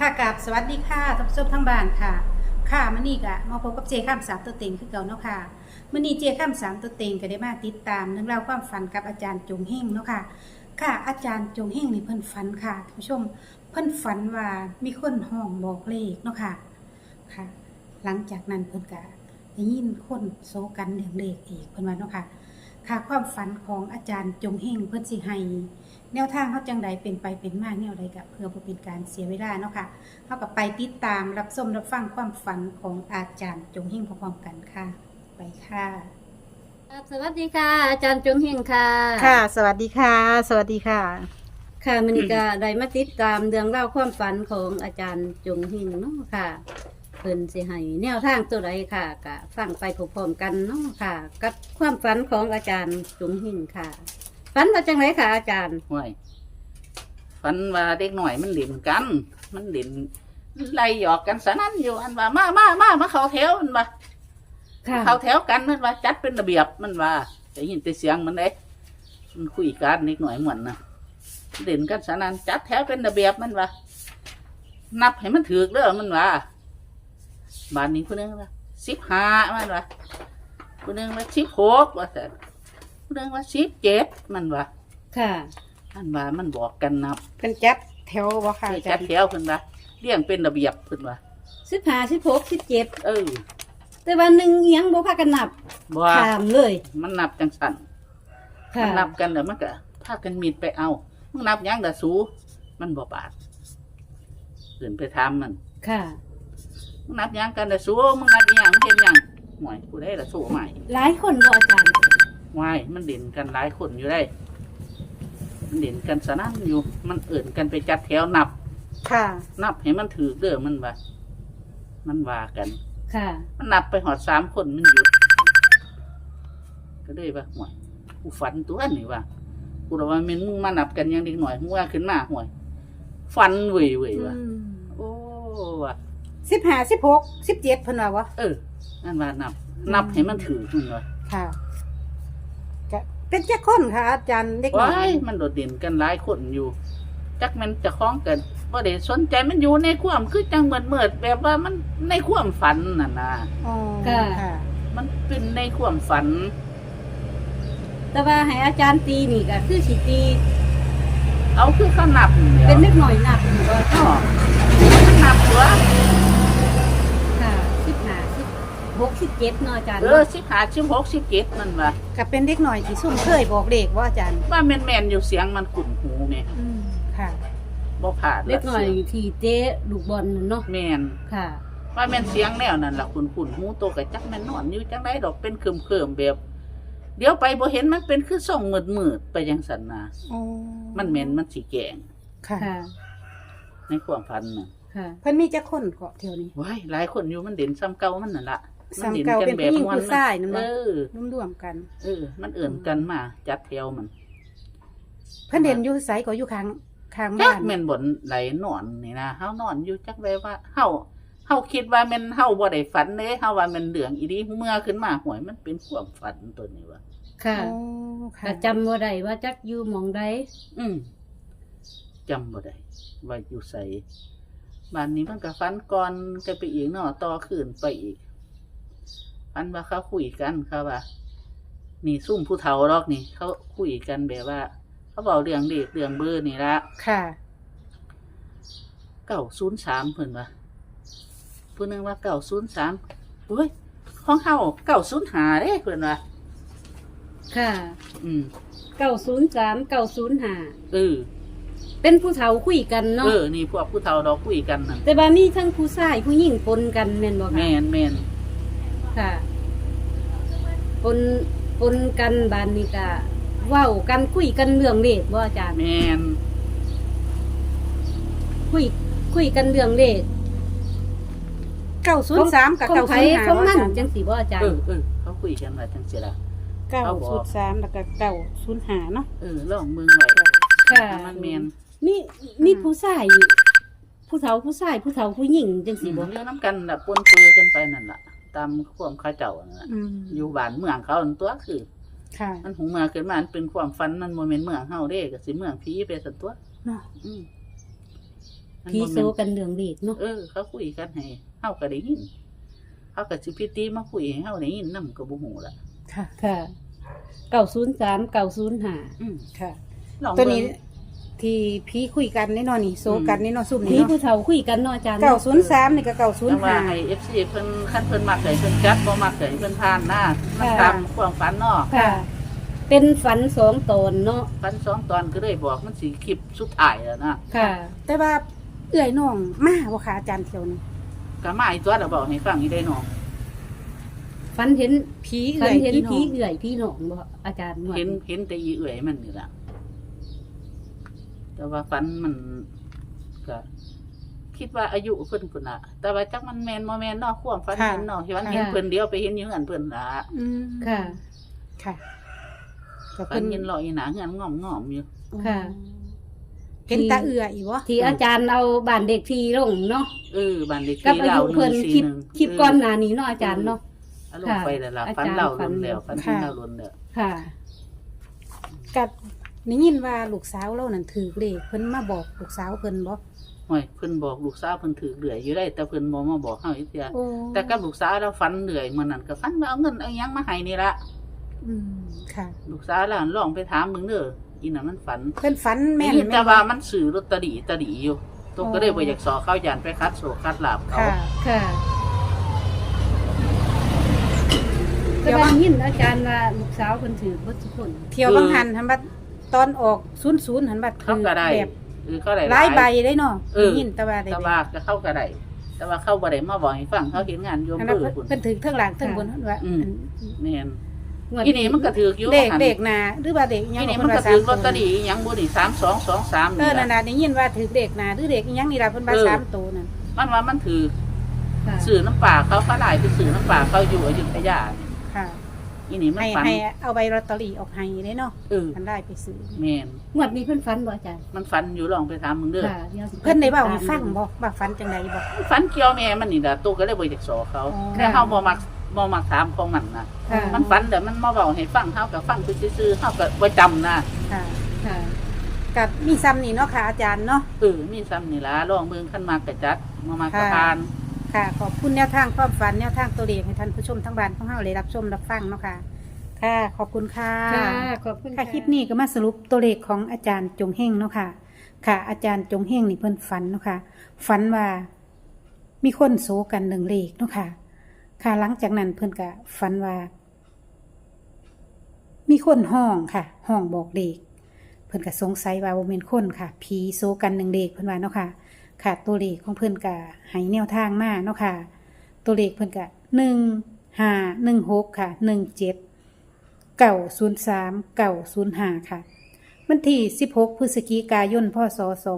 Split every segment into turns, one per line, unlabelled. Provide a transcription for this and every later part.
ค่ะกับสวัสดีค่ะท่านผู้ชมทั้งบ้านค่ะค่ะมื้อนี้ก็มาพบกับเจข้ามสามตัวเต็งคือเก่าเนาะค่ะมื้อนี้เจข้ามสามตัวเต็งก็ได้มาติดตามเรื่องราวความฝันกับอาจารย์จงเฮงเนาะค่ะค่ะอาจารย์จงเฮงนี่เพิ่นฝันค่ะท่านผู้ชมเพิ่นฝันว่ามีคนห้องบอกเลขเนาะค่ะค่ะ หลังจากนั้นเพิ่นก็ได้ยินคนโซกันเรื่องเลขอีกเพิ่นว่าเนาะค่ะค่ะความฝันของอาจารย์จงเฮงเพิ่นสิให้แนวทางเขาจังใดเป็นไปเป็นมาแนวใดก็เพื่อบ่เป็นการเสียเวลาเนาะค่ะเฮาก็ไปติดตามรับชมรับฟังความฝันของอาจารย์จงเฮงพร้อมๆกันค่ะ ไปค่ะ
ครับสวัสดีค่ะ อาจารย์จงเฮงค่ะ
ค่ะ สวัสดีค่ะ สวัสดีค่ะ
ค่ะมันก็ได้มาติดตามเรื่องเล่าวความฝันของอาจารย์จงเฮงเนาะค่ะเพิ่นสิให้แนวทางตัวใดค่ะก็ฟังไปพร้อมๆกันเนาะค่ะ กับความฝันของอาจารย์จงเฮงค่ะฝันว่าจังไรค่ะอาจารย์
ห่วยฝันว่าเด็กหน่อยมันเล่นกัน มันเล่นไล่หยอกกันสนั่นอยู่อันว่ามาเข้าแถวมันว่า
ค่ะ
เข้าแถวกันมันว่าจัดเป็นระเบียบมันว่าได้ยินแต่เสียงมันเด้มันคุยกันเด็กหน่อยเหมือนนะเล่นกันสนั่นจัดแถวเป็นระเบียบมันว่านับให้มันถูกเด้อมันว่าบ้านนี้คนนึงว่า15มันว่าคนนึงว่า16ว่าแต่คนนึงว่า17มันว่า
ค่ะ
อันว่ามันบอกกันนับ
เป็นจัดแถวบ่ค่ะอาจา
จั
ร
ด
ย์
แถวเพิ่นว่าเลี้ยงเป็นระเบียบเพิ่นว่า
15 16 17
เออ
แต่ว่าหนึ่งเอียงบ่พากันนับ
บ่ว่า
ถามเลย
มันนับจังสั่น
ค่ะ
มันนับกันแล้วมันก็พากันมีดไปเอามึงนับหยังล่ะสูมันบ่ปาดเพิ่นไปถามมัน
ค่ะ
มึงนับหยังกันล่ะสูมึงนับอีหยังมึงเฮ็ดหยังห่วยผู้ใดล่ะสูใหม่
หลายคนบ่อาจารย์
วายมันเด่นกันหลายคนอยู่ได้มันเด่นกันสนั่นอยู่ มันเอิ่นกันไปจัดแถวนับ
ค่ะ
นับให้มันถูกเด้อมันว่ามันว่ากัน
ค่ะ
มันนับไปหอด3 คนมันหยุดก็เลยว่าห่วยกูฝันตัวนี่ว่ากูบอกว่าแม่นมึงมานับกันอยังเด็กหน่อยมึงว่าขึ้นมาห่วยฝันเว่ยว่ะโอ้ว่ะ
15 16 17เพิ่นว่าวะ
เออนั่นว่านับให้มันถือมันว่า
ค่ะก็เป็นจักคนค่ะ อาจารย์เด็กน้อ
ว้าย ยมันโดดเด่นกันหลายคนอยู่ จักมันจะคล้องกันว่าเด็สนใจมันอยู่ในความคือจังเหมือนแบบว่ามันในความฝันน่ะนะ
อ๋อ
ค่ะ
ค่ะ
มันเป็นในความฝัน
แต่ว่าให้อาจารย์ตีนี่ก็คือสิตี
เอาคือเขานับ
เป็นเล็กหน่อยนับอยู่ว่า
อ๋อมันนับตัว
ค่ะ15 16 17เนาะอาจารย์
เออ15 16 17นั่นว่า
ก็เป็นเด็กหน่อยที่ซุ่มเคยบอกเลขว่าอาจารย์
ว่าแม่นๆอยู่เสียงมันขุ่นหูแม่
ค่ะ
บ่ผ่าน
เล็กหน่อยที่เตะลูกบอลนั่นเนาะ
แม่น
ค่ะ
ว่าแม่นเสียงแนวนั่นล่ะขุ่นหูโตก็จักแม่นนอนอยู่จังไดดอกเป็นเคิมๆแบบ เดี๋ยวไปบ่เห็นมันเป็นคือส่องมืดๆไปจังซั่นน่ะ
อ๋อ
มันแม่นมันสิแกล้ง
ค่ะ
ค่ะ
ในความฝันน่ะ
ค่ะ
เพิ่นมีจักคนเกาะเที่ยวนี้
ว้ายหลายคนอยู่มันเด่นซ้ำเก่ามันนั่นล่ะ
ซ้ำเก่าเป็นผู้หญิงผู้ชายนั่น
เอ
บ่
อ
ร่วมๆกัน
มันเอิ่นกันมาจัดแถวมัน
เพิ่นเด่นอยู่ไสก็อยู่ข้าง
จั
บ้าก น
แม่นบ่นไหลนอนนี่นะเฮานอนอยู่จักไว้ว่าเฮาคิดว่าแม่นเฮาบ่ได้ฝันเด้เฮาว่าแม่นเรื่องอีดีเมื่อขึ้นมาหวยมันเป็นความฝันตัวนี้ว่า
ค่ะ
อ๋อค่ะ
ก็จำบ่ได้ว่าจักอยู่หม่องใด
อืมจำบ่ได้ว่าอยู่ไสบ้านนี้มันก็ฝันก่อนก็ไปอีกเนาะต่อคืนไปอีกฝันว่าเขาคุยกันเขาว่า นี่ซุ่มผู้เฒ่าหรอกนี่ เขาคุยกันแบบว่า เขาเว้าเรื่องเด็กเรื่องเบอร์นี่ละ
ค่ะ
903เพิ่นว่าผู้หนึงว่า903โอ้ยของเฮา905เด้เพิ่นว่า
ค่ะ
อืม
903 905
เออ
เป็นผู้เฒ่าคุยกันเนาะ
นี่พวกผู้เฒ่าดอกคุยกันนั่น
แต่ว่ามีทั้งผู้ชายผู้หญิงปนกันแม่นบ่คะ
แม่น
ค่ะปนกันบานนี้ก็เว้ากันคุยกันเรื่องเลขบ่อาจารย์
แม่น
คุยกันเรื่องเลข
903กับ
ของไผ
905
ของมันจังสิบ่อาจารย์
เขาคุยกันว่าจังซี่ล่ะ
903แล้วก็905เนาะ
ลองมึงไว้
ค่ะ
มันแม่น
นี่ผู้ชายผู้เฒ่าผู้ชายผู้เฒ่าผู้หญิงจัง
สิ
สิ
บ่
บ่
เรื่องนํกันน่ะปนเปื้อกันไปนั่นล่ะ ตามความเขาเจ้านั่นล่ะ
อืม
อยู่บ้านเมืองเขานั่นตัวคือ
ค่ะ
มันหูเมืองขึ้นมามันเป็นความฝันมันโมเมนต์เมืองเฮาเด้ก็สิเมืองผีไปสันตัว
เนาะ
อืมมัน
พี่
บ่
โซ
แม่น
กันเรื่องเด็กเนาะ
เขาคุยกันให้เฮาก็ได้ยินเขาก็สิพิตีมาคุยให้เฮาได้ยินนำก็บ่ฮู้ล่ะ
ค่ะ
ค่ะ903 905
อืม
ค่ะ
ลอง
ตัว
เบิ่
นี้
ง
ที่ผีคุยกันแน่นอนนี่โซกันแน่นอนซุ่ม
พี่
นี่เนาะ
ผู้เฒ่าคุยกันเนาะอาจารย์
903นี่ก็
แต่ว่าให้
905
FC เพิ่นคันเพิ่นมักให้เพิ่นจัดบ่มักให้เพิ่นผ่านนะมัน
ค่ะ
ตามความฝันเนาะ
ค่ะ เป็นฝัน2ตนเนาะ
ฝัน2ตอนก็เลยบอกมันสิคลิปสุดท้ายแล้วนะ
ค่ะ
แต่ว่าเอื้อยน้องมาบ่คะอาจารย์เที่ยวนี้
ก็มาอีกตัวแล้วบอกให้ฟังอีได้น้อง
ฝันเห็น
ผี
ฝั
เอื้
น
อย
เห็น
พี่น้
ผี
อง
เอื่อยพี่น้องบ่อาจารย์ว่า
เห็นแต่อีเอื่อยมันนี่ล่ะแต่ว่าฝันมันก็คิดว่าอายุเพิ่นพุ่นน่ะ แต่ว่าจักมันแม่นบ่แม่นเนาะความฝันเห็นเนาะที่ว่าเห็นเพิ่นเดียวไปเห็นอยู่เฮือนเพิ่นล่ะ
อืม
ค่ะ
ค่ะก็
ฝั
เพิ่
น
น
เห็นลอยอยู่หน้าเฮือนงอมๆอยู่
ค่ะ
เห็นตาเอื้อยอีบ่
ที่อาจารย์เอาบ้านเด็กทีลงเนาะ
บ้านเลข
กับ
ที่
อา
เรา
ยุเพิ่นคลิปก่อนหน้านี้เนาะอาจารย์เนาะ
เอาลงไปแล้วล่ะ
ค่ะ
ฝันเรา
อาจารย์
ล้นแล้ว
ฝั
ฝัน
น
เห็นเราล้นแล้ว
ค่ะ
กับได้ยินว่าลูกสาวเรานั่นถือเลขเพิ่นมาบอกลูกสาวเพิ่นบ่
โอ้ยเพิ่นบอกลูกสาวเพิ่นถือเหลือยอยู่ได้แต่เพิ่นบ่มาบอกเฮาอีกเทื่อ
โอ้
แต่กับลูกสาวเราฝันเหนื่อยมื้อนั้นก็ฝันว่าเอาเงินเอาหยังมาให้นี่ละ
อืมค่ะ
ลูกสาวเราลองไปถามมึงเด้ออีน่ะมันฝัน
เพิ่นฝันแม่น
ได้ยิน
แม่
แต่
น
ว่ามันซื้อลอตเตอรี่อยู่ตัวก็เลยบ่อยากสอเขาย่านไปคัดโศกคัดลาบเขา
ค่ะ
ค่ะ
เดี๋
ก็
ยว
ได้ยินอาจารย์ว่าลูกสาวเพิ่นถือบ่ทุกคน
เที่ยวบางหันหันบัดตอนออก00หันบัด
เขาก็ได้
แบบ
เขาได้
หลายใบได้เนาะ
เออ
ได้ยินแต่ว่าได้
แต่ว่าก็เข้าก็ได้แต่ว่าเข้าบ่ได้มาบอกให้ฟังเขาเห็นงานโยม
อัน
เบ
นั้น
อร์พุ่น
เพิ่นถือเทั้งหลังเทั้งบนว่า
อืม แม่น
งวด
อีนี่มันก็ถืออยู่
เด็ก
หั่น
เด็กนาหรือว่าเด็กอิหยั
อี
ง
นี่
เพิ่
มันก็
ว่า
ถือ
3
ลอตเตอรี่อีหยังบ่นี่3223
เอ
นี่
อนั่
ล่ะ
นน่ะได้ยินว่าถือเด็กนาหรือเด็กอิหยังนี่ล่ะเพิ่นว่า3ตัวนั่น
มันว่ามันถือ
ค่ะ
สื่อน้ำป่าเขาหลายไปสื่อน้ำป่าเขาอยู่อยุธยานี่
ค่ะ
อีนี่มัน
ให้
ฝัน
ให้เอาใบลอตเตอรี่ออกให้ได้เนาะ
เออ
มันได้ไปซื้อ
แม่น
งวดนี้เพิ่นฝันบ่อาจารย์
มันฝันอยู่ลองไปถามมึงเด้อ
ค่ะดี๋ยวสิ
เพิ่นได้เว้าให้ฟังบ่ว่าฝันจังไดบ่
ฝันเกี่ยวแม่มันนี่ล่ะตัวก็เลยบ่อยากสอเขา
อ๋อ
แต่เฮาบ่มักถามของมันนะ
ค่ะ
มันฝันแต่มันมาเว้าให้ฟังเฮาก็ฟังซื่อๆเฮาก็บ่จำนะ
ค่ะ
ค่ะ
กับมีซ้ำนี่เนาะค่ะอาจารย์เนาะ
มีซ้ำนี่ล่ะลองเบิ่งคันมากก็จัดบ่มากก็
ค่ะ
ผ่าน
ค่ะ ขอบคุณแนวทางความฝันแนวทางตัวเลขให้ท่านผู้ชมทั้งบ้านของเฮาได้รับชมรับฟังเนาะค่ะ ค่ะ ขอบคุณค่ะ
ค่ะขอบคุณ
ค่ะคลิปนี้ก็มาสรุปตัวเลขของอาจารย์จงเฮงเนาะค่ะ ค่ะ อาจารย์จงเฮงนี่เพิ่นฝันเนาะค่ะ ฝันว่ามีคนโศกันหนึ่งเลขเนาะค่ะ ค่ะหลังจากนั้นเพิ่นก็ฝันว่า มีคนห้องค่ะ ห้องบอกเลขเพิ่นก็สงสัยว่าบ่แม่นคนค่ะ ผีโศกันหนึ่งเลขเพิ่นว่าเนาะค่ะ ค่ะ ตัวเลขของเพิ่นก็ให้แนวทางมาเนาะค่ะ ตัวเลขเพิ่นก็1516ค่ะ17903905ค่ะ วันที่16พฤศจิกายนพศ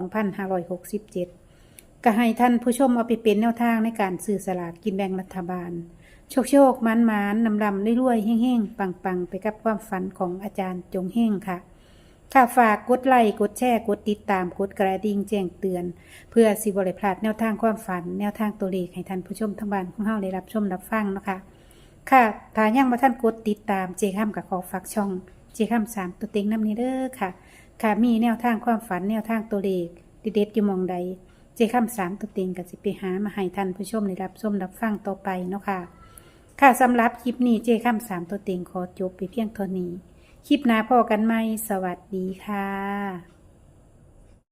2567ก็ให้ท่านผู้ชมเอาไปเป็นแนวทางในการซื้อสลากกินแบ่งรัฐบาล โชคมันนำรวยๆเฮ่งๆปังๆไปกับความฝันของอาจารย์จงเฮ่งค่ะ ค่ะฝากกดไลค์กดแชร์กดติดตามกดกระดิ่งแจ้งเตือน เพื่อสิบ่ได้พลาดแนวทางความฝัน แนวทางตัวเลขให้ท่านผู้ชมทั้งบ้านของเฮาได้รับชมรับฟังเนาะค่ะ ค่ะถ้ายังบ่ทันกดติดตามเจค้ำกับขอฝากช่องเจค้ำ3ตัวเต็งนำนี้เด้อค่ะ ค่ะมีแนวทางความฝันแนวทางตัวเลขเด็ดๆอยู่หมองใดเจค้ำ3ตัวเต็งก็สิไปหามาให้ท่านผู้ชมได้รับชมรับฟังต่อไปเนาะค่ะ ค่ะสำหรับคลิปนี้เจค้ำ3ตัวเต็งขอจบไปเพียงเท่านี้ คลิปหน้าพอกันไหมสวัสดีค่ะ